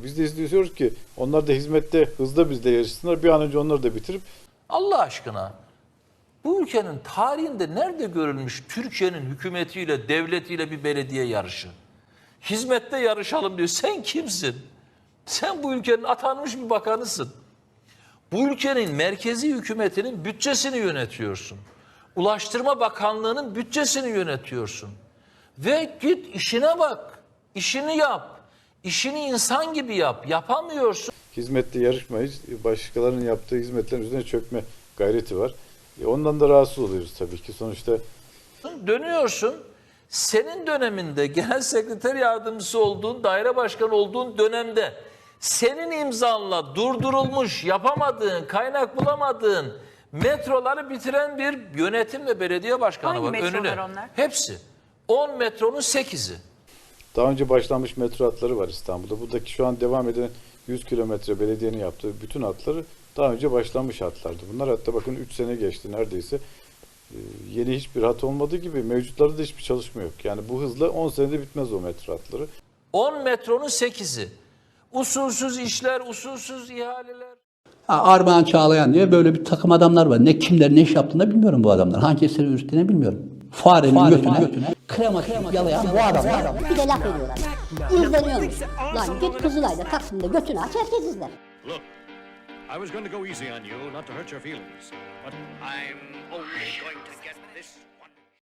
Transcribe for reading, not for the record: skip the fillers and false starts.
Biz de istiyoruz ki onlar da hizmette hızla bizle yarışsınlar. Bir an önce onları da bitirip Allah aşkına bu ülkenin tarihinde nerede görülmüş Türkiye'nin hükümetiyle, devletiyle bir belediye yarışı? Hizmette yarışalım diyor. Sen kimsin? Sen bu ülkenin atanmış bir bakanısın. Bu ülkenin merkezi hükümetinin bütçesini yönetiyorsun. Ulaştırma Bakanlığı'nın bütçesini yönetiyorsun. Ve git işine bak, işini yap, işini insan gibi yap. Yapamıyorsun. hizmette yarışmayız. Başkalarının yaptığı hizmetlerin üzerine çökme gayreti var. Ondan da rahatsız oluyoruz tabii ki. Sonuçta Dönüyorsun, senin döneminde genel sekreter yardımcısı olduğun, daire başkanı olduğun dönemde senin imzanla durdurulmuş, yapamadığın, kaynak bulamadığın metroları bitiren bir yönetim ve belediye başkanı Hangi var metrolar önüne. onlar? Hepsi. 10 metronun 8'i. daha önce başlanmış metro hatları var İstanbul'da. Buradaki şu an devam eden 100 kilometre belediyenin yaptığı bütün hatları daha önce başlanmış hatlardı. Bunlar hatta bakın 3 sene geçti neredeyse. Yeni hiçbir hat olmadığı gibi mevcutlarda da hiçbir çalışma yok. Yani bu hızla 10 senede bitmez o metro hatları. 10 metronun 8'i. Usulsüz işler, usulsüz ihaleler. Armağan Çağlayan diye böyle bir takım adamlar var. Ne kimler ne iş yaptığını da bilmiyorum bu adamlar. Hangi eseri ürettiğini bilmiyorum. Farenin götüne krema yalayan bu adamlar. Bir de laf ediyorlar. İzleniyormuş. Lan git Kızılay'da Taksim'de götünü aç herkes izler. Look, I was going to go easy on you, not to hurt your feelings. But I'm only going to